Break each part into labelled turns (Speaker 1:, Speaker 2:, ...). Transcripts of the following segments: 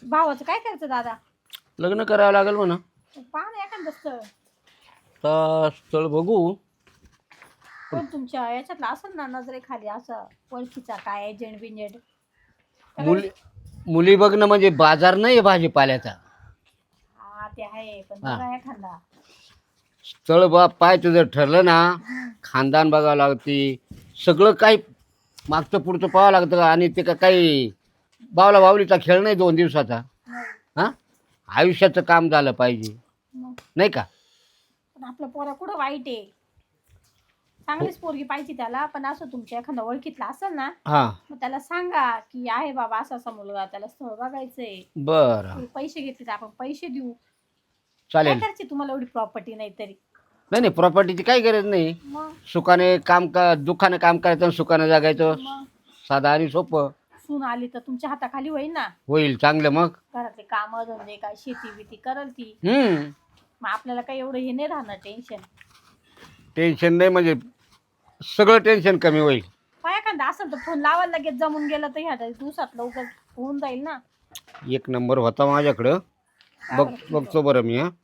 Speaker 1: भावाचं काय करायचं दादा?
Speaker 2: लग्न करावं लागेल म्हणा.
Speaker 1: पहा ना एखादं स्थळ.
Speaker 2: तर स्थळ बघू.
Speaker 1: पण तुमच्या याच्यातला असेल ना नजरेखाली असं ओळखीचा काय एजंट बिंजेंट?
Speaker 2: मुली मुली बघणं म्हणजे बाजार नाही भाजीपाल्याचा.
Speaker 1: हा ते आहे पण
Speaker 2: हा.
Speaker 1: बघा एखादा.
Speaker 2: स्थळ बा पाय तुझं ठरलं ना, खानदान बघावं लागते, सगळं काही मागचं पुढचं पाहावं लागतं. आणि ते का काही बावला बावलीचा खेळ नाही 2 दिवसाचा. हां, आयुष्याचं काम झालं पाहिजे
Speaker 1: मग
Speaker 2: नाही का.
Speaker 1: पण आपलं पोरा कुठं वाईट आहे. चांगलीच पोरगी पाहिजे त्याला, पण असं तुमच्या एखादा ओळखीतला असेल ना,
Speaker 2: हां,
Speaker 1: मग त्याला सांगा की आहे बाबा असा असा मुलगा, त्याला स्थळ बघायचंय.
Speaker 2: बरं,
Speaker 1: तुम्ही पैसे घेतले तर आपण पैसे देऊ. काय
Speaker 2: चालेल.
Speaker 1: करायची तुम्हाला एवढी प्रॉपर्टी नाही तरी?
Speaker 2: नाही नाही, प्रॉपर्टीची काही गरज नाही.
Speaker 1: मग
Speaker 2: सुखाने काम का दुःखाने काम करायचं आणि सुखाने जगायचं.
Speaker 1: मग
Speaker 2: साधं आणि सोपं.
Speaker 1: सून आली तर तुमच्या हाताखाली होईल ना.
Speaker 2: होईल चांगलं मग.
Speaker 1: घरातले काम धंदे काय शेती बिती करल ती.
Speaker 2: हम्म,
Speaker 1: मग आपल्याला काही एवढं हे नाही राहणार टेन्शन.
Speaker 2: टेन्शन नाही म्हणजे सगळं टेन्शन कमी होईल.
Speaker 1: काय एखादा असेल तर फोन लावायला लगेच जमून गेलं तर ह्या दिवसात लवकर होऊन जाईल ना.
Speaker 2: एक नंबर होता माझ्याकडं. बघतो बरं मी. हां,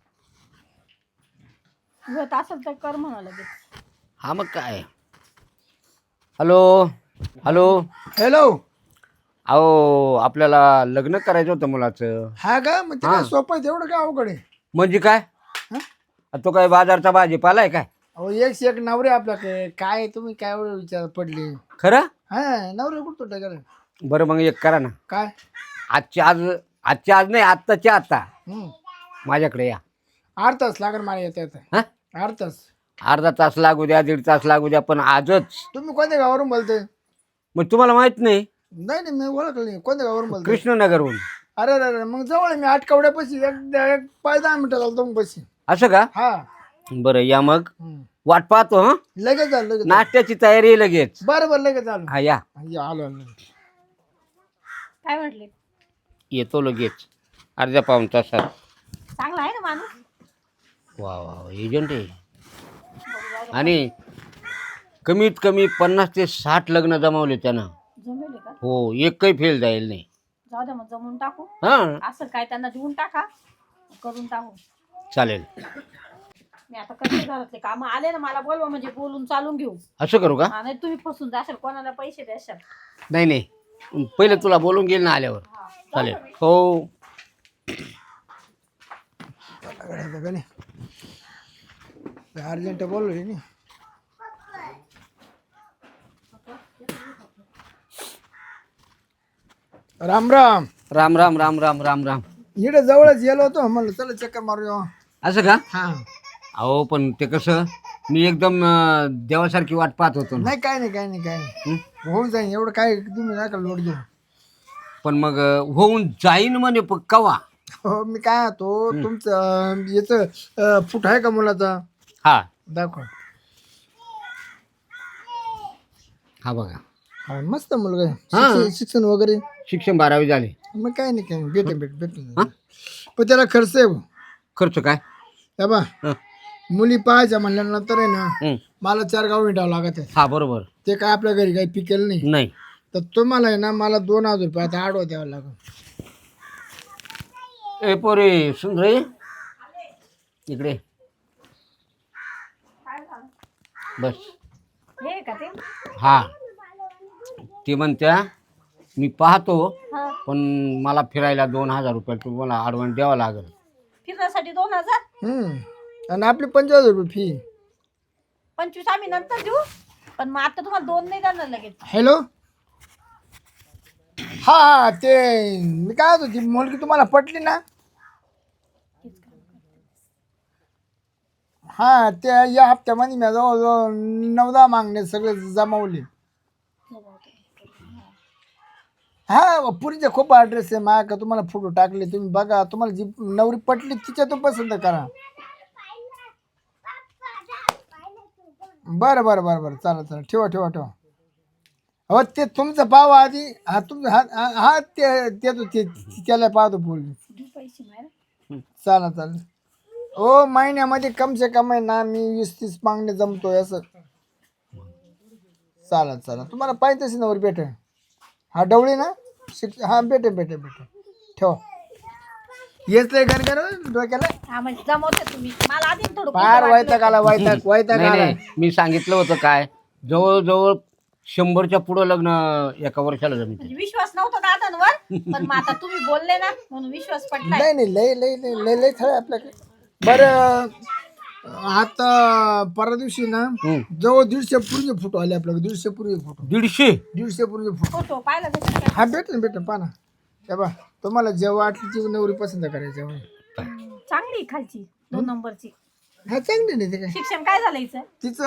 Speaker 1: होत असेल तर कर म्हणा लगेच.
Speaker 2: हा मग काय. Hello hello.
Speaker 3: हॅलो.
Speaker 2: अहो आपल्याला लग्न करायचं होतं मुलाचं.
Speaker 3: हा का? मग ते काय सोपं आहे तेवढं काय अवघड आहे?
Speaker 2: म्हणजे काय?
Speaker 3: हं?
Speaker 2: तो काय बाजारचा भाजीपाला आहे काय?
Speaker 3: अहो एक से एक नवरे आपल्याकडे. काय तुम्ही काय एवढं विचार पडले?
Speaker 2: खरं?
Speaker 3: हा नवरे कुठं टाकायला?
Speaker 2: बरं मग एक करा ना.
Speaker 3: काय?
Speaker 2: आजच्या आज नाही, आत्ताच्या आता
Speaker 3: हम्म.
Speaker 2: माझ्याकडे या.
Speaker 3: 8 तास लागेल मला येत.
Speaker 2: हां,
Speaker 3: 8 तास.
Speaker 2: अर्धा तास लागू द्या, 1.5 तास लागू द्या, पण आजच.
Speaker 3: तुम्ही कोणत्या गावावरून बोलतोय?
Speaker 2: मग तुम्हाला माहित नाही?
Speaker 3: नाही नाही मी ओळखलं नाही. कोणत्या गावावरून बोलतोय?
Speaker 2: कृष्णनगरहून.
Speaker 3: अरे अरे अरे मग जवळ आहे. मी आटकवड्यापाशी एक 5-10 मिनिटं झालं तुम्ही पशी.
Speaker 2: असं का?
Speaker 3: हा.
Speaker 2: बरं या मग.
Speaker 3: हम्म.
Speaker 2: वाट पाहतो. हं,
Speaker 3: लगेच झालं लगेच झालं.
Speaker 2: नाश्त्याची तयारी आहे लगेच.
Speaker 3: बरं बरं लगेच झालं.
Speaker 2: हा या.
Speaker 3: या, आलो आलो.
Speaker 1: काय म्हटले?
Speaker 2: येतो लगेच अर्ध्या पाऊण तासात.
Speaker 1: चांगला आहे ना माणूस?
Speaker 2: वा वा, एजंट आहे. आणि कमीत कमी 50 ते 60 लग्न जमावले त्यानं.
Speaker 1: जमेल का?
Speaker 2: हो, एकही फेल जाईल नाही.
Speaker 1: जाऊ द्या मग जमून टाकू.
Speaker 2: हां,
Speaker 1: असं काय त्यांना देऊन टाका, करून टाकू.
Speaker 2: चालेल.
Speaker 1: मी आता कसे घरातले काम आले ना, मला बोलवा म्हणजे बोलून चालून घेऊ.
Speaker 2: असं करू का?
Speaker 1: नाही तुम्ही फसून जाशाल, कोणाला पैसे द्याशाल.
Speaker 2: नाही नाही, पहिले तुला बोलून घेईल ना आल्यावर.
Speaker 1: हा.
Speaker 2: चालेल. हो.
Speaker 3: अर्जंट बोललो नाही. राम राम.
Speaker 2: राम राम राम राम राम राम.
Speaker 3: इकडे जवळच गेलो होतो म्हणलं चला चक्कर मारूया.
Speaker 2: असं का?
Speaker 3: हा.
Speaker 2: अहो पण ते कसं, मी एकदम देवासारखी वाट पाहत होतो ना.
Speaker 3: नाही काय नाही काय नाही काय नाही. होऊन जाईन एवढं काय तुम्ही नका लोड घेऊ.
Speaker 2: पण मग होऊन जाईन म्हणे कवा?
Speaker 3: हो मी काय होतो तुमचं याचं फूट आहे का मुलाचा?
Speaker 2: हा
Speaker 3: दाखवा.
Speaker 2: हा बघा.
Speaker 3: हा मस्त मुलगा आहे.
Speaker 2: हा.
Speaker 3: शिक्षण वगैरे
Speaker 2: शिक्षण 12वी झाले.
Speaker 3: मग काय नाही काय नाही. भेटेन पण त्याला खर्च आहे.
Speaker 2: खर्च काय?
Speaker 3: हे बा
Speaker 2: हं,
Speaker 3: मुली पाहायच्या म्हणल्यानंतर आहे ना
Speaker 2: हं.
Speaker 3: मला 4 गाव विटावं लागत आहे.
Speaker 2: हा बरोबर.
Speaker 3: ते काय आपल्या घरी काही पिकेल नाही.
Speaker 2: नाही.
Speaker 3: तर तुम्हाला आहे ना मला 2000 रुपये आता आडवा द्यावा लागेल.
Speaker 2: ए पोरे सुंदर इकडे बस.
Speaker 1: हे का ते?
Speaker 2: हा, ती म्हणत्या मी पाहतो,
Speaker 1: हा.
Speaker 2: पण मला फिरायला 2000 रुपये तुम्हाला ॲडव्हान्स द्यावा लागेल.
Speaker 1: फिरण्यासाठी 2000?
Speaker 3: आणि आपली 25 रुपये फी.
Speaker 1: 25 आम्ही नंतर देऊ, पण मग आता तुम्हाला 2 नाही देणार लगेच.
Speaker 3: हॅलो. हा ते मी काय होतो ती मुलगी तुम्हाला पटली ना? हा ते या हप्त्यामध्ये मी जवळजवळ 9-10 मागणे सगळे जमावले. हा पुरीचे खूप ॲड्रेस आहे माझ्या, तुम्हाला फोटो टाकले तुम्ही बघा. तुम्हाला जी नवरी पटली तिच्यातून पसंत करा. बरं बरं बरं बरं चालेल चालेल. ठेवा. हो ते तुमचं पाव आधी. हा तुमचं हा हा ते त्याला पाहतो बोलली.
Speaker 1: देऊ पैसे मारा.
Speaker 3: चालेल. हो महिन्यामध्ये कम से कम आहे ना मी 20-30 मागणे जमतोय असं. चालेल तुम्हाला पाहिजे तशी नवर भेटेल. हा डवळी ना हा भेटेल. ठेवा. येच लय घर डोक्याला
Speaker 1: हा म्हणजे जमवते तुम्ही मला आधी थोडं
Speaker 3: फार
Speaker 1: खोटं
Speaker 3: वैताग आला वैताग वैताग
Speaker 2: नाही
Speaker 3: आला
Speaker 2: नाही मी सांगितलं होतं काय जवळजवळ 100च्या पुढं लग्न एका वर्षाला जमीन
Speaker 1: म्हणजे विश्वास नव्हता दादांवर पण मग आता तुम्ही बोलले ना म्हणून विश्वास पटलाय.
Speaker 3: नाही नाही लय लय लय लय लय थळ आपल्याकडे बरं. आता परवा दिवशी ना जवळ 150 पूर्वी फोटो आले आपल्याकडे 150 पूर्वी फोटो 150 पूर्वी फोटो
Speaker 1: फोटो पाहिला त्याच्यात काय?
Speaker 3: हा भेटेल पहा ना हे बा तुम्हाला जेव्हा वाटली ती नवरी पसंत करायची
Speaker 1: चांगली आहे खालची 2 नंबरची.
Speaker 3: हा चांगली नाही ते काय
Speaker 1: शिक्षण काय झालं हिचं?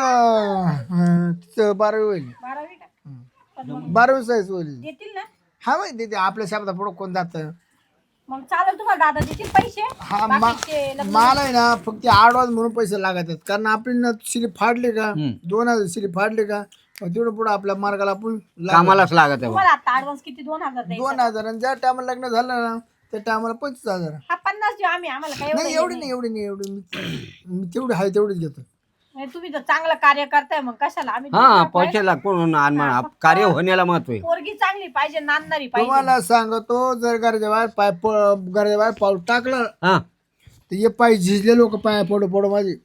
Speaker 3: तिचं 12वी होईल
Speaker 1: 12वी का? पण मग
Speaker 3: 12वी साईज होईल
Speaker 1: देतील ना?
Speaker 3: हा माहिती ते आपल्या शब्दा पुढं कोण जात
Speaker 1: मग चालेल तुम्हाला दादा देतील पैसे
Speaker 3: हा
Speaker 1: बाकीचे लग्न-
Speaker 3: मला आहे ना फक्त आडवाज म्हणून पैसे लागत आहेत कारण आपली ना शिली फाडली का 2000 शिली फाडली का मग तेवढं पुढं आपल्या मार्गाला आपण
Speaker 2: कामालाच लागत आहे बा.
Speaker 1: तुम्हाला आता ऍडव्हान्स किती 2000 द्यायचं?
Speaker 3: 2000 आणि ज्या टायमाला लग्न झालं ना त्या टायमाला 25000
Speaker 1: हा 50 देऊ आम्ही आम्हाला काय
Speaker 3: नाही एवढी नाही मी तेवढी आहे तेवढीच घेतो.
Speaker 1: नाही, तुम्ही जर चांगलं कार्य करताय मग कशाला आम्ही
Speaker 2: हा
Speaker 1: दुसरा काय-
Speaker 2: पैशाला कोण कार्य होण्याला महत्व आहे.
Speaker 1: पोरगी चांगली पाहिजे नांदणारी पाहिजे.
Speaker 3: तुम्हाला सांगतो जर घराच्या बाहेर पाऊल टाकलं
Speaker 2: हा
Speaker 3: तर हे पाय झिजले लोक पाय पडो पडो माझे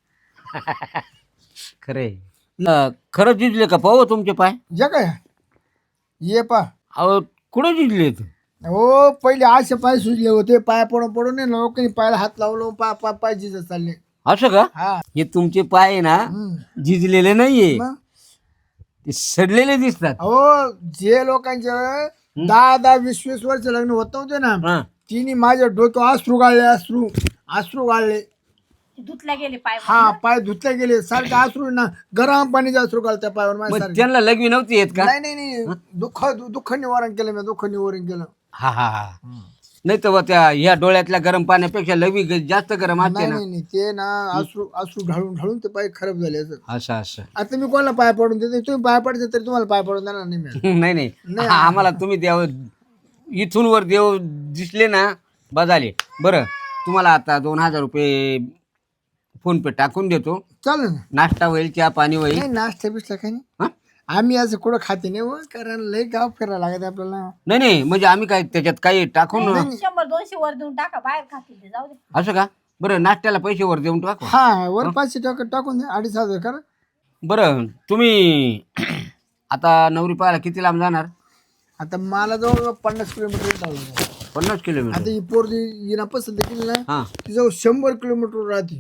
Speaker 2: खरे खरंच जिजले का पाहू तुमचे पाय
Speaker 3: जे काय ये पा
Speaker 2: अहो कुठे जिजले
Speaker 3: हो पहिले असे पाय सुजले होते पाय पडून पडून आहे ना लोकांनी पायाला हात लावलो पाय झिजत चालले.
Speaker 2: असं का
Speaker 3: हा
Speaker 2: हे तुमचे पाय आहे ना झिजलेले नाहीये
Speaker 3: मग
Speaker 2: ते सडलेले दिसतात.
Speaker 3: अहो जे लोकांचे 10-20 वर्ष लग्न होत नव्हते ना
Speaker 2: हा
Speaker 3: तिने माझ्या डोक्यावर अश्रू गाळले
Speaker 1: धुतल्या गेले पाय.
Speaker 3: हा पाय धुतले गेले सारखे अश्रू ना गरम पाणीचे अश्रू घालत्या पायावर माझ्या
Speaker 2: मग
Speaker 3: सारखे.
Speaker 2: त्यांना लग्न नव्हती येत का?
Speaker 3: नाही दुःख निवारण केलं मी दुःख निवारण केलं.
Speaker 2: हा हा हा नाही तर त्या ह्या डोळ्यातल्या गरम पाण्यापेक्षा लवी जास्त गरम असते ना.
Speaker 3: नाही ते ना अश्रू ढाळून ते पाय खराब झाले असं.
Speaker 2: असं असं
Speaker 3: आता मी कोणाला पाय पडून देते तुम्ही पाय पडते तरी तुम्हाला पाय पडून देणार नाही मी.
Speaker 2: नाही नाही आम्हाला तुम्ही देव इथून वर देव दिसले ना बजाले. बरं तुम्हाला आता 2000 रुपये फोन पे टाकून देतो.
Speaker 3: चालेल ना.
Speaker 2: नाश्ता होईल चहा पाणी होईल.
Speaker 3: नाही नाश्ता बिस्टा काही नाही
Speaker 2: हा?
Speaker 3: आम्ही असं कुठं खाते नाही हो कारण लय गाव फिरायला लागत आपल्याला.
Speaker 2: नाही नाही म्हणजे आम्ही काय त्याच्यात काही टाकून
Speaker 1: 100-200 वर देऊन टाका बाहेर खातील ते जाऊ दे.
Speaker 2: असं का? बरं नाश्त्याला पैसे वर देऊन टाकू.
Speaker 3: हा वर 500 टाकून द्या 2500 करा.
Speaker 2: बरं तुम्ही आता नवरी पाहायला किती लांब जाणार?
Speaker 3: आता मला जवळ 50 किलोमीटर चाललं.
Speaker 2: 50 किलोमीटर.
Speaker 3: आता ही पोरगी हिना पसंत केली ना
Speaker 2: हा
Speaker 3: ती जवळ 100 किलोमीटर राहते.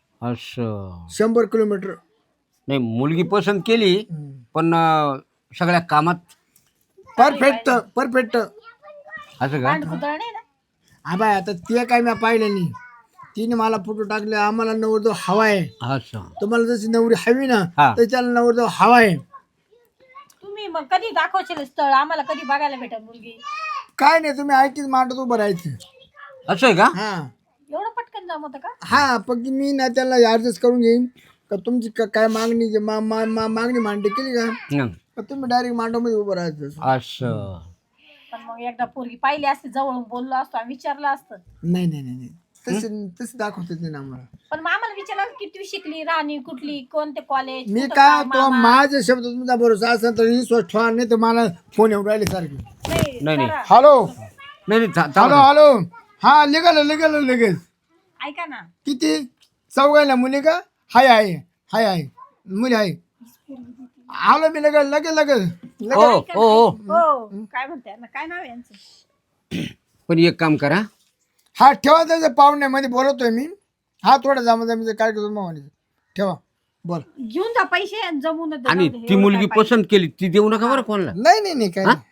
Speaker 2: असं
Speaker 3: 100 किलोमीटर.
Speaker 2: नाही मुलगी पसंत केली पण सगळ्या कामात
Speaker 3: परफेक्ट
Speaker 2: असं का?
Speaker 1: भांडकुदळ नाही ना.
Speaker 3: आबाय आता ते काय मी पाहिलं नाही तिने मला फोटो टाकले आम्हाला नवरदेव हवा आहे
Speaker 2: असं
Speaker 3: तुम्हाला जशी नवरी हवी ना
Speaker 2: हा.
Speaker 3: तर त्याला नवरदेव हवा आहे.
Speaker 1: तुम्ही मग कधी दाखवशील स्थळ आम्हाला कधी बघायला भेटेल मुलगी?
Speaker 3: काय नाही तुम्ही ऐकीच मांडत उभं राहायचं.
Speaker 2: असं आहे का?
Speaker 3: हा
Speaker 1: एवढं पटकन जमत का?
Speaker 3: हा फक्त मी ना त्याला ऍडजस्ट करून घेईन का तुमची काय मागणी मागणी मांडणी केली का
Speaker 2: हं.
Speaker 3: तर तुम्ही डायरेक्ट मांडवमध्ये उभं राहायचं.
Speaker 2: असं
Speaker 1: पण मग एकदा पोरगी पाहिली असते जवळून बोललो असतो आम्ही विचारलं असतं.
Speaker 3: नाही तसे दाखवते ते ना आम्हाला.
Speaker 1: पण मग आम्हाला विचारलं किती शिकली राहणी कुठली कोणते कॉलेज
Speaker 3: मी काय तो माझे शब्द तुमचा भरोसा असेल तर विश्वास ठेवा नाही तर मला फोन येऊन राहिले सारखे.
Speaker 2: नाही.
Speaker 3: हॅलो
Speaker 2: नाही नाही थांबा.
Speaker 3: हॅलो हा निघालो लगेच.
Speaker 1: ऐका ना
Speaker 3: किती 4 मुली का हाय मुली आहे. आलो मी लगेच
Speaker 2: हो हो
Speaker 1: हो काय म्हणते ना काय नाव आहे यांचं?
Speaker 2: पण एक काम करा
Speaker 3: हा ठेवा त्याच्या पाहुण्यामध्ये बोलवतोय मी. हा थोडा जमाजमीचा काय करतो मामाने ठेवा बोल.
Speaker 1: घेऊन जा पैसे आणि जमून दे.
Speaker 2: आणि ती मुलगी पसंत केली ती देऊ नका बरं कोणाला.
Speaker 3: नाही काय नाही.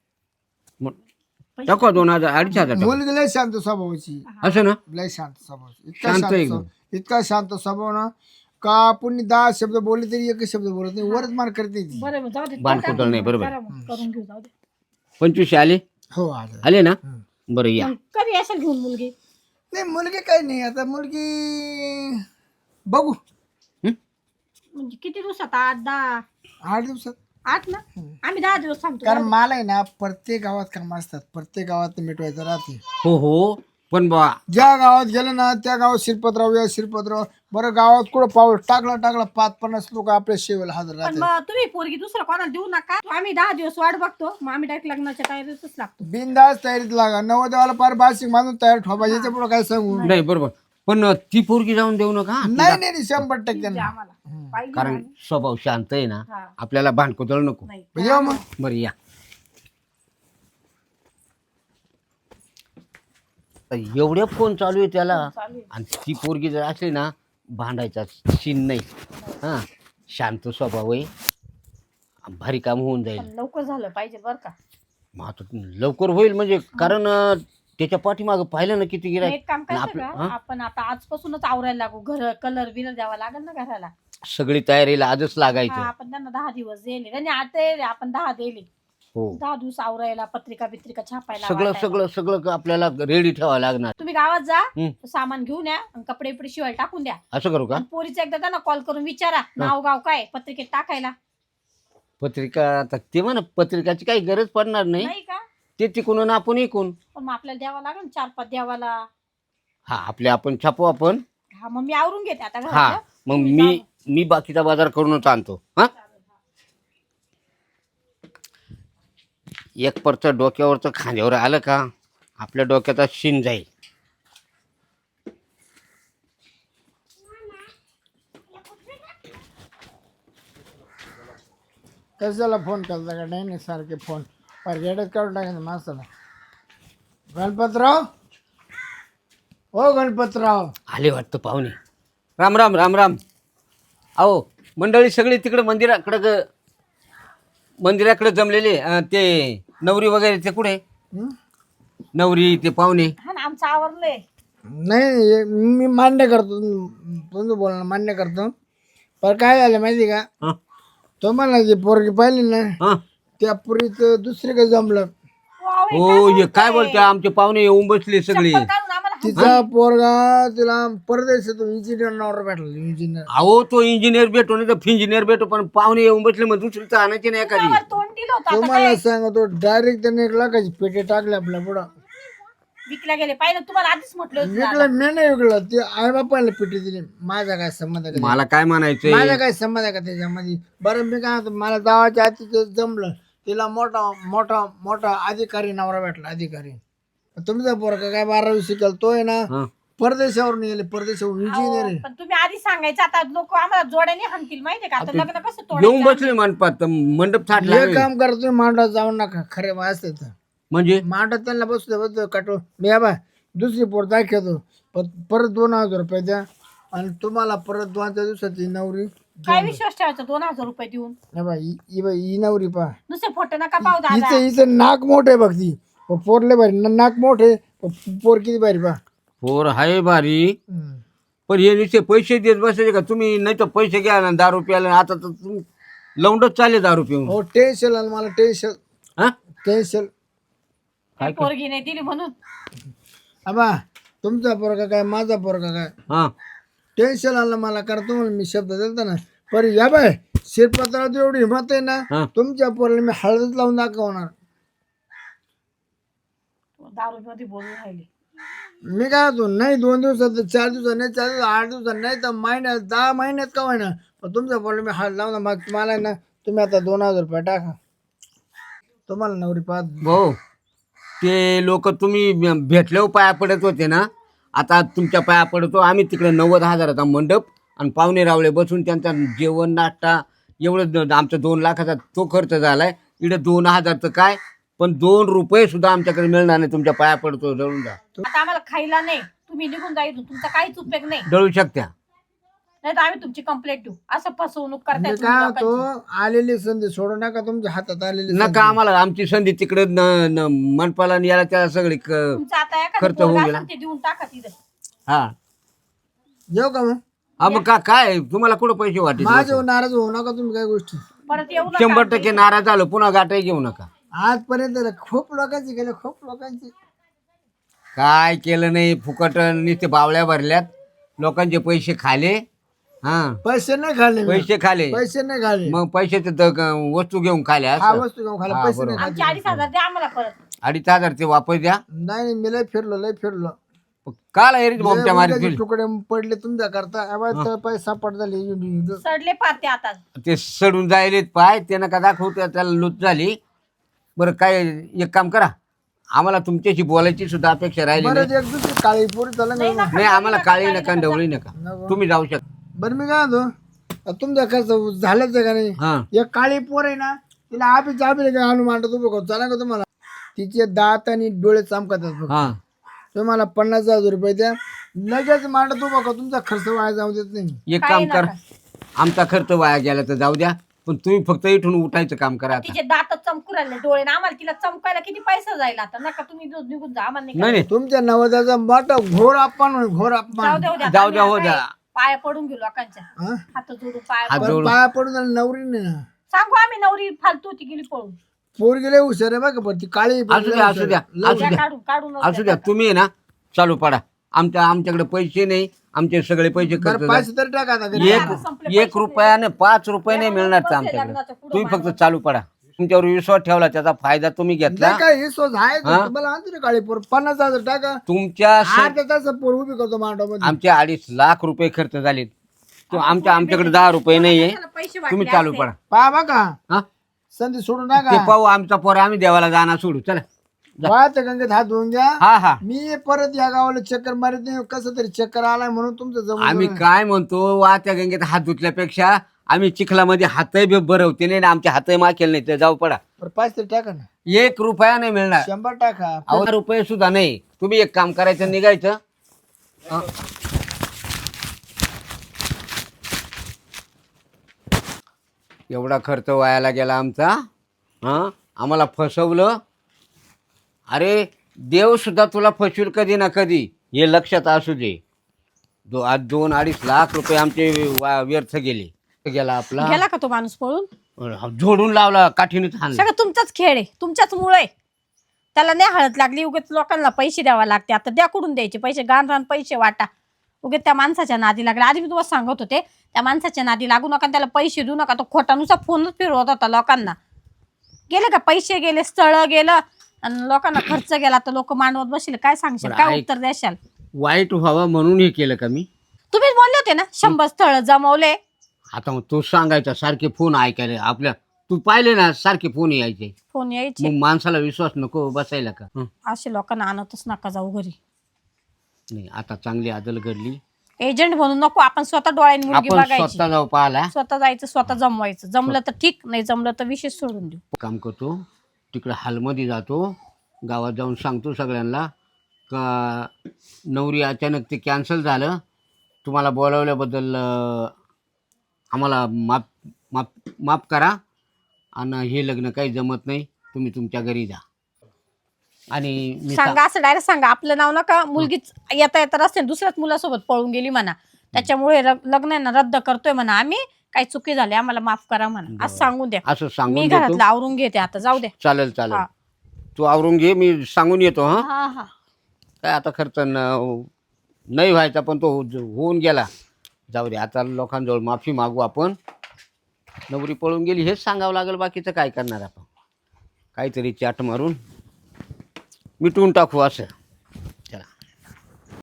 Speaker 2: टाका 2000 2500
Speaker 3: मुलगी लय शांत स्वभावाची
Speaker 2: असं ना.
Speaker 3: लय शांत स्वभावाची
Speaker 2: शांत आहे एकदम.
Speaker 3: इतका शांत स्वभाव ना का आपण 10 शब्द बोलले तरी एकच शब्द बोलत नाही वरच मार करते ती.
Speaker 1: बरोबर जाऊ दे.
Speaker 2: भांडकुदळ नाही बरोबर.
Speaker 1: करा मग, करून घेऊ जाऊ दे.
Speaker 2: 25 आले
Speaker 3: हो
Speaker 2: आले ना. बरं या.
Speaker 1: मग कधी असेल घेऊन मुलगी?
Speaker 3: नाही मुलगी काही नाही आता मुलगी बघू
Speaker 1: म्हणजे किती दिवसात 8-10?
Speaker 3: 8 दिवसात
Speaker 1: 8 ना आम्ही 10 दिवस सांगतो.
Speaker 3: कारण मला आहे ना प्रत्येक गावात काम असतात प्रत्येक गावात मिटवायचं राहते.
Speaker 2: हो पण बा
Speaker 3: ज्या गावात गेलं ना त्या गावात शिरपतराव या शिरपतराव बरं गावात कुठं पाऊस टाकला 5-50 लोक आपल्या शेवेला हजर
Speaker 1: पण
Speaker 3: राहतात.
Speaker 1: मग तुम्ही पोरगी दुसरं कोणाला देऊ नका. आम्ही 10 दिवस वाट बघतो, मग आम्ही डायरेक्ट लग्नाच्या तयारीतच लागतो.
Speaker 3: बिनधास्त तयारीत लागा. नवदेवाला पार बाशिक माणूस तयार ठोपा. याच्या पुढे काय सांगू.
Speaker 2: नाही बरोबर, पण ती पोरगी जाऊन देऊ नका.
Speaker 3: नाही 100%
Speaker 1: द्या
Speaker 3: नाही.
Speaker 1: आम्हाला पाहिजे
Speaker 2: कारण
Speaker 1: ना.
Speaker 2: स्वभाव शांत आहे ना,
Speaker 1: हा.
Speaker 2: आपल्याला भांडकुदळ नको.
Speaker 1: नाही
Speaker 3: या मग.
Speaker 2: बरं या. तर एवढे फोन चालू आहे त्याला,
Speaker 1: चालू आहे.
Speaker 2: आणि ती पोरगी जर असली ना भांडायचा सीन नाही. हा, शांत स्वभाव आहे, भारी काम होऊन जाईल.
Speaker 1: पण लवकर झालं पाहिजे बरं का.
Speaker 2: मग आता लवकर होईल म्हणजे, कारण त्याच्या पाठीमागं पाहिलं ना किती
Speaker 1: मग
Speaker 2: गिराय.
Speaker 1: एक काम करायचं
Speaker 2: आपलं-
Speaker 1: का, आपण आता आजपासूनच आवरायला लागू. घर कलर बिलर द्यावा लागेल ना घराला.
Speaker 2: सगळी तयारीला आजच
Speaker 1: हा,
Speaker 2: लागायचं.
Speaker 1: आपण त्यांना 10 दिवस दिले. त्यांनी आता आपण 10 दिले.
Speaker 2: हो,
Speaker 1: 10 दिवस आवरायला, पत्रिका छापायला,
Speaker 2: सगळं
Speaker 1: वाटायला.
Speaker 2: सगळं सगळं आपल्याला रेडी ठेवावं लागणार.
Speaker 1: तुम्ही गावात जा,
Speaker 2: हं.
Speaker 1: सामान घेऊन या आणि कपडे बिपडे शिवायला टाकून द्या.
Speaker 2: असं करू का?
Speaker 1: आणि पोरीचं एकदा त्यांना कॉल करून विचारा नाव गाव काय पत्रिकेत टाकायला.
Speaker 2: पत्रिका आता ते म्हणा, पत्रिकाची काही गरज पडणार नाही.
Speaker 1: नाही का?
Speaker 2: ते तिकून आपण इकून.
Speaker 1: पण मग आपल्याला द्यावा लागेल ना 4-5 द्यावाला.
Speaker 2: हा, आपले आपण छापू आपण.
Speaker 1: हा, मग मी आवरून घेते आता
Speaker 2: हा,
Speaker 1: घरातलं.
Speaker 2: मग
Speaker 1: तुम्ही
Speaker 2: मी बाकीचा बाजार करूनच आणतो. हा, एक परच डोक्यावरचं खांद्यावर आलं का आपल्या डोक्याचा शिन जाईल.
Speaker 3: कशाला फोन करता का. नाही सारखे फोन परगेडच काढून टाकायचं माणसाला. गणपतराव हो गणपतराव.
Speaker 2: आले वाटतं पाहुणे. राम राम राम राम. अहो मंडळी सगळी तिकडे मंदिराकडे जमलेले. ते नवरी वगैरे ते कुठे,
Speaker 3: हं?
Speaker 2: नवरी ते पाहुणे.
Speaker 1: हा ना, आमचं आवरलंय.
Speaker 3: नाही मी मान्य करतो तुमचं बोलणं मान्य करतो. पण काय झालं माहिती का,
Speaker 2: हा,
Speaker 3: तुम्हाला जी पोरगी पाहिली ना
Speaker 2: हा.
Speaker 3: त्या पुरीचं दुसरीकडे जमलं.
Speaker 1: वाव, हे
Speaker 2: हो, हे काय
Speaker 1: बोलताय?
Speaker 2: बोलते, आमचे पाहुणे येऊन बसले सगळे.
Speaker 1: चप्पल काढून आम्हाला
Speaker 3: तिचा पोरगा तिला परदेशातून इंजिनियर नावर भेटला. इंजिनियर
Speaker 2: अहो तो इंजिनियर भेटो नाही तर इंजिनियर भेटो, पण पाहुणे येऊन बसले मग दुसरीचं आणायची नाही एखादी.
Speaker 1: हातावर तोंड दिलं होतं. आता
Speaker 3: तुम्हाला
Speaker 1: काय?
Speaker 3: सांगतो डायरेक्ट त्याने 1 लाखाची पेटे टाकले आपल्या पुढं.
Speaker 1: विकल्या गेले पाहिजे. तुम्हाला आधीच म्हटलं होतं ना.
Speaker 3: विकलं मी नाही विकलं, ते आई बापाला पेटी दिली. माझा काय संबंध आहे का
Speaker 2: मला काय म्हणायचंय,
Speaker 3: माझा काय संबंध आहे का त्याच्यामध्ये. बरं मी काय म्हणतो, मला जावाच्या आधी ते जमलं. तिला मोठा मोठा मोठा अधिकारी नवरा भेटला. अधिकारी. तुमचा पोरगा काय 12वी शिकल, तो आहे ना
Speaker 2: हा.
Speaker 3: परदेशावरून गेले. परदेशावरून इंजिनियर आहे.
Speaker 1: पण तुम्ही आधी सांगायचं. आता लोक आम्हाला जोड्याने हाणतील माहितीये का. आता लग्न कसं
Speaker 2: येऊन
Speaker 1: तोडायचं.
Speaker 2: बसले मंडपात, मंडप थाटला.
Speaker 3: हे काम करा तुम्ही, मांडा जाऊ नका. खरे असते तर
Speaker 2: म्हणजे
Speaker 3: मांडत त्यांना बसतो काटो. मी या बा दुसरी पोर दाखवतो, परत 2000 रुपये द्या आणि तुम्हाला परत 2 दिवसाची नवरी.
Speaker 1: काय विश्वास ठेवायचा 2000 रुपये देऊन.
Speaker 3: हे बा ही नवरी पा.
Speaker 1: दुसरे फोटो नका पाहू दादा.
Speaker 3: हिचं नाक मोठे आहे बघ. ती पोरले भारी नाक मोठे. पोर किती भारी पा.
Speaker 2: पोर हाय भारी. पण हे नुसते पैसे देत बसायचे का तुम्ही? नाही तर पैसे घ्या ना 10 रुपयाला. आता तर तुम्ही लवंडच चालले 10 रुपये.
Speaker 3: हो टेन्शन आलं मला. टेन्शन
Speaker 2: हा,
Speaker 3: टेन्शन.
Speaker 1: काय पोरगी नाही दिली म्हणून.
Speaker 3: आबा तुमचा पोरगा काय माझा पोरगा काय.
Speaker 2: हा.
Speaker 3: टेन्शन आलं मला. करतो म्हणून मी शब्द दिलता ना. पर या बाय शिरपत्रात एवढी हिंमत आहे ना,
Speaker 2: हा.
Speaker 3: तुमच्या पोराला मी हळदच लावून दाखवणार.
Speaker 1: दारू मध्ये बोलून राहिले.
Speaker 3: मी काय होतो नाही 2 दिवसात 4 दिवसात नाही 4 दिवसात 8 दिवसात नाही तर महिन्यात 10 महिन्यात का होईना, पण तुमच्या पोराला मी हळद लावणार. मग तुम्हाला आहे ना, तुम्ही आता 2000 रुपये टाका. तुम्हाला नवरी पाहत.
Speaker 2: भाऊ ते लोक तुम्ही भेटल्यावर पाया पडत होते ना, आता तुमच्या पाया पडतो आम्ही. तिकडे 90,000चा मंडप आणि पाहुणे रावळे बसून त्यांचा जेवण नाश्ता एवढं आमचा 2 लाखाचा तो खर्च झालाय. इकडे 2000चं काय, पण 2 रुपये सुद्धा आमच्याकडे मिळणार नाही. तुमच्या पाया पडतो, जळून जा.
Speaker 1: आता आम्हाला खायला नाही. तुम्ही निघून जा इथून. तुमचा काहीच उपयोग नाही.
Speaker 2: जळू शकत्या.
Speaker 1: नाही तर आम्ही तुमची कंप्लेंट देऊ. असं फसवणूक करताय
Speaker 3: मी
Speaker 1: तुम्ही
Speaker 3: काय
Speaker 1: लोकांची.
Speaker 3: होतो, आलेली संधी सोडू नका. तुमच्या हातात आलेली
Speaker 2: नका आम्हाला. आमची संधी तिकडे मनपाला आणि याला त्याला सगळी
Speaker 1: तुमचं आता एखादं
Speaker 2: खर्च होऊन
Speaker 1: पोरगं
Speaker 2: गेला.
Speaker 1: असेल ते देऊन टाका तिथं.
Speaker 2: हा
Speaker 3: जेव का मग.
Speaker 2: हा, मग काय तुम्हाला कुठं पैसे वाटते?
Speaker 3: माझ्यावर नाराज होऊ नका तुम्ही काय गोष्टी.
Speaker 1: परत येऊ नका.
Speaker 2: 100% नाराज झालो, पुन्हा गाठाही घेऊ नका.
Speaker 3: आजपर्यंत खूप लोकांची गेले. खूप लोकांची
Speaker 2: काय केलं नाही, फुकट नुसते बावळ्या भरल्यात. लोकांचे पैसे खाले. हा,
Speaker 3: पैसे नाही खाल्ले मी.
Speaker 2: पैसे खाले.
Speaker 3: पैसे नाही खाल्ले.
Speaker 2: मग पैशाचे वस्तू घेऊन खाल्या.
Speaker 3: हा वस्तू घेऊन खाल्ले.
Speaker 2: हा,
Speaker 3: पैसे
Speaker 2: बरोबर.
Speaker 3: नाही
Speaker 1: आमचे
Speaker 3: खाल्ले.
Speaker 1: 2,500 द्या आम्हाला परत.
Speaker 2: 2,500 ते वापस द्या.
Speaker 3: नाही मी लय फिरलो.
Speaker 2: काल एरीत बोमट्या मारीत
Speaker 3: उडदाचे
Speaker 2: गेली.
Speaker 3: तुकडे पडले तुमच्या करता पैसा पड झाले
Speaker 1: सडले पाते आता.
Speaker 2: ते सडून जायलेत पाय त्यानं का दाखवतो त्याला लूट झाली. बरं काय एक काम करा, आम्हाला तुमच्याशी बोलायची सुद्धा अपेक्षा राहिली
Speaker 3: बरं
Speaker 2: नाही.
Speaker 3: एक दुसरी काळी पोरी चालला
Speaker 1: नाही
Speaker 3: ना.
Speaker 1: नका,
Speaker 2: नाही आम्हाला काळी
Speaker 1: काळी
Speaker 2: नका
Speaker 1: नका,
Speaker 2: ढवळी नका,
Speaker 3: नको.
Speaker 2: तुम्ही जाऊ शकता.
Speaker 3: बरं मी काय म्हणतो तुमच्या खर्च झालंच आहे का नाही?
Speaker 2: हा
Speaker 3: एक काळी पोर आहे ना तिला आपी काय आणून मांडत उभं करतो चला का तुम्हाला? तिचे दात आणि डोळे चमकतात बघ.
Speaker 2: हा
Speaker 3: तुम्हाला 50,000 रुपये द्या लगेच मांडत उभं का तुमचा खर्च वाया जाऊ देत नाही.
Speaker 2: एक
Speaker 1: काही
Speaker 2: काम कर,
Speaker 1: नका.
Speaker 2: आमचा खर्च वाया गेला तर जाऊ द्या, पण तुम्ही फक्त इथून उठायचं काम करा आता.
Speaker 1: तिचे दात चमकू राहिले डोळे ना, आम्हाला तिला चमकायला किती पैसा जाईल आता. नका तुम्ही निघून जा, आम्हाला नाही
Speaker 2: नाही नाही
Speaker 3: तुमच्या नवऱ्याचा मोठा घोर अपमान होईल, घोर
Speaker 1: जाऊ
Speaker 3: अपमान.
Speaker 1: द्या, उद्या
Speaker 2: जाऊ द्या,
Speaker 1: आम्ही
Speaker 2: हो
Speaker 1: आता
Speaker 2: द्या.
Speaker 1: पाया पडून गेलो लोकांच्या.
Speaker 3: हा?
Speaker 1: हात जोडून पाया
Speaker 2: हात
Speaker 1: पडून.
Speaker 2: जोडून.
Speaker 3: पाया पडून आणि नवरी नाही ना.
Speaker 1: सांगू आम्ही नवरी फालतू होती गेली पळून.
Speaker 3: पोर गेले हुशार आहे बघा पण ती काळी पोर
Speaker 2: असू
Speaker 3: लय
Speaker 2: द्या,
Speaker 3: हुशार
Speaker 2: असू द्या,
Speaker 3: आहे. लय
Speaker 2: असू
Speaker 1: द्या,
Speaker 2: द्या.
Speaker 1: काढून काढून
Speaker 2: असू द्या, तुम्ही आहे ना चालू पडा. आमच्याकडे पैसे नाही, आमचे सगळे पैसे
Speaker 3: बरं,
Speaker 2: खर्च
Speaker 3: पैसे तरी टाका आता घरी.
Speaker 2: एक रुपयाने 5 रुपये नाही मिळणार तर आमच्याकडे. तुम्ही फक्त चालू पडा. तुमच्यावर विश्वास ठेवला, त्याचा फायदा तुम्ही घेतला.
Speaker 3: नाही काय हे सोच आहे
Speaker 2: हा?
Speaker 3: तुम्हाला आणतो ना काळी पोर 50,000 टाका
Speaker 2: तुमच्या
Speaker 3: अर्ध्या तास पोर उभी करतो मांडव
Speaker 2: आमचे 2.5 लाख रुपये खर्च झाले. तो आमच्याकडे 10 रुपये नाहीये.
Speaker 1: पैसे
Speaker 2: तुम्ही चालू पडा.
Speaker 3: पहा बघा
Speaker 2: हा
Speaker 3: संधी सोडून
Speaker 2: ते
Speaker 3: टाका.
Speaker 2: पाहू, आमचा पोर आम्ही देवाला जाणार सोडू. चला जा.
Speaker 3: वाहत गंगेत हात धुवून घ्या.
Speaker 2: हा हा
Speaker 3: मी परत या गावाला चक्कर मारित नाही. कसं तरी चक्कर आलाय म्हणून तुमचं जमून
Speaker 2: आम्ही
Speaker 3: गेलं.
Speaker 2: काय म्हणतो, वाहत्या गंगेत हात धुतल्यापेक्षा आम्ही चिखलामध्ये हातही भरवते नाही, आमचे हातही माखेल नाही. तर जाऊ पडा.
Speaker 3: बरं, पैसे तरी टाका ना.
Speaker 2: 1 रुपया नाही मिळणार.
Speaker 3: 100 टाका.
Speaker 2: 1 रुपये सुद्धा नाही. तुम्ही एक काम करायचं, निघायचं. हा. एवढा खर्च वायाला गेला आमचा. हा आम्हाला फसवलं. अरे देव सुद्धा तुला फसवेल कधी ना कधी, हे लक्षात असू दे. आज 2-2.5 लाख रुपये आमचे व्यर्थ गेले. गेला आपला
Speaker 1: गेला का तो माणूस पळून?
Speaker 2: जोडून लावला, काठीने हाणला.
Speaker 1: सगळं तुमचाच खेळ आहे, तुमच्याच मुळे. त्याला नाही हळद लागली, उगाच लोकांना पैसे द्यावा लागते. आता द्या कुठून द्यायचे पैसे? गाण रान पैसे वाटा. उगाच त्या माणसाच्या नादी लागले. आधी मी तुम्हाला सांगत होते त्या माणसाच्या नादी लागू नका, त्याला पैसे देऊ नका. तो खोटानुसार फोनच फिरवत होता लोकांना. गेले का पैसे गेले, स्थळ गेलं आणि लोकांना खर्च गेला, तर लोक मांडवत बसले. काय सांगशाल,
Speaker 2: बरं,
Speaker 1: काय
Speaker 2: ऐक.
Speaker 1: उत्तर द्याशाल?
Speaker 2: वाईट व्हावं म्हणून हे केलं का मी?
Speaker 1: तुम्हीच बोलले होते ना 100 स्थळ जमवले.
Speaker 2: आता मग तो सांगायचा, सारखे फोन ऐकायला आपल्या. तू पाहिले ना सारखे फोन यायचे.
Speaker 1: फोन यायचे.
Speaker 2: मग माणसाला विश्वास नको बसायला का?
Speaker 1: असे लोकांना आणतच नका जाऊ घरी.
Speaker 2: नाही, आता चांगली आदल घडली.
Speaker 1: एजंट म्हणून नको, आपण स्वतः डोळ्याने मुलगी
Speaker 2: आपण
Speaker 1: बघायची,
Speaker 2: स्वतः जाऊ पाहायला.
Speaker 1: स्वतः जायचं, स्वतः जमवायचं. जमलं तर ठीक, नाही जमलं तर विषय सोडून देऊ.
Speaker 2: काम करतो तिकडे हॉलमध्ये जातो, गावात जाऊन सांगतो सगळ्यांना का नवरी अचानक ते कॅन्सल झालं. तुम्हाला बोलावल्याबद्दल आम्हाला माफ माफ माफ करा आणि हे लग्न काही जमत नाही, तुम्ही तुमच्या घरी जा. आणि मी
Speaker 1: सांगा, असं डायरेक्ट सांगा. आपलं नाव नका. मुलगीच येता येता रस्त्याने दुसऱ्याच मुलासोबत पळून गेली म्हणा, त्याच्यामुळे लग्न आहे ना रद्द करतोय म्हणा आम्ही, काही चुकी झाली आम्हाला माफ करा म्हणा. असं सांगून द्या.
Speaker 2: असं
Speaker 1: मी
Speaker 2: सांगून देतो.
Speaker 1: घरातलं आवरून घेते आता, जाऊ द्या.
Speaker 2: चालेल चालेल,
Speaker 1: हा.
Speaker 2: तू आवरून घे, मी सांगून येतो. हा
Speaker 1: हा हा.
Speaker 2: काय आता खर्च नाही व्हायचा, पण तो होऊन गेला. जाऊ दे, आता लोकांजवळ माफी मागू आपण. नवरी पळून गेली हेच सांगावं लागेल, बाकीचं काय करणार आपण. काहीतरी चाट मारून मिटवून टाकू असं.